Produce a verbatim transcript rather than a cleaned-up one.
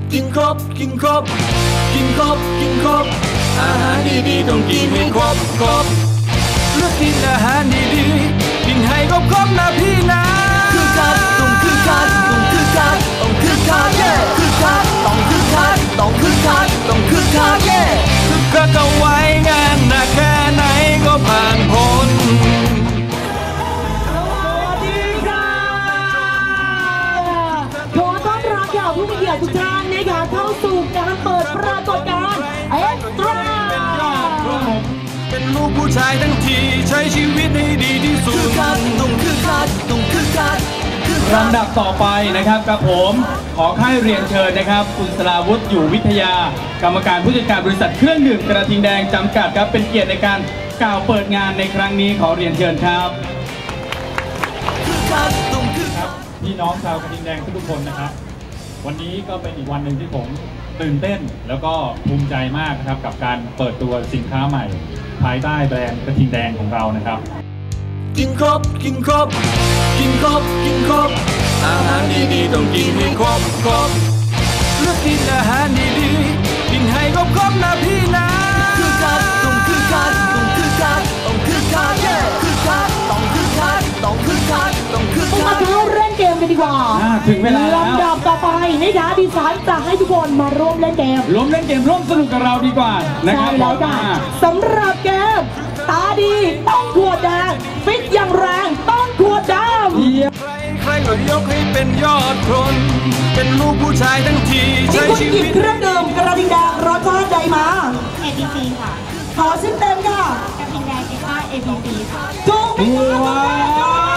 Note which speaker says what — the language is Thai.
Speaker 1: กินครบกินครบกินครบกินครบอาหารดีๆต้องกินให้ครบครบเลือกกินอาหารดีๆกินให้ครบครบนะพี่นะคือคักต้องคือคักต้องคือคักต้องคือคักเย่คือคักต้องคือคักต้องคือคักต้องคือคักเย่คือคักเอาไว้งานหนักแค่ไหนก็ผ่านพ้น
Speaker 2: ผู้มีเกียรติทุกท่านนะคะเข้าสู่การเปิดปรากฏการณ์เอ็กซ์ตร้า
Speaker 1: เป็นลูกผู้ชายทั้งทีใช้ชีวิตให้ดีที่สุดคือคักต้องคือคักต้องคือคัก
Speaker 3: ลำดับต่อไปนะครับกับผมขอค่ายเรียนเชิญนะครับคุณสราวุฒิอยู่วิทยากรรมการผู้จัดการบริษัทเครื่องดื่มกระทิงแดงจำกัดครับเป็นเกียรติในการกล่าวเปิดงานในครั้งนี้ขอเรียนเชิญครับพี่น้องชาวกระทิงแดงทุกคนนะครับวันนี้ก็เป็นอีกวันหนึ่งที่ผมตื่นเต้นแล้วก็ภูมิใจมากนะครับกับการเปิดตัวสินค้าใหม่ภายใต้แบรนด์กระทิงแดงของเรานะครับ
Speaker 1: กินครบกินครบกินครบกินครบอาหารดีๆต้องกินให้ครบครบเลือกกินอาหารดีๆกินให้ครบครบนะพี่นะคือคักต้องคือคักต้องคือคักต้องคือคักเย่คือคักต้องคือคักต้องคือคักต้องคือคัก
Speaker 2: มาเข้าเล่นเกมกันดีกว่า
Speaker 3: ถึงเวลาแล้ว
Speaker 2: ลำดับต่อไปนะคะดิฉันจะให้ทุกคนมาร่วมเล่นเกม
Speaker 3: ร่วมเล่นเกมร่วมสนุกกับเราดีกว่านะครับ
Speaker 2: แล้วกันสำหรับเกมตาดีต้องขวดแดงฟิตอย่างแรงต้องขวดดำ
Speaker 1: ใครใครก็ยกให้เป็นยอดคนเป็นลูกผู้ชายทั้งทีใช้ชีวิต
Speaker 2: เครื่องดื่มกระทิงแดงรสชาติใดมา
Speaker 4: เอ บี ซี ค่ะ
Speaker 2: ขอชื่อเต็มค่ะ
Speaker 4: กระทิงแดงเอ็กซ์ เอ บี ซี ค่ะ
Speaker 2: ถูกไหมคะ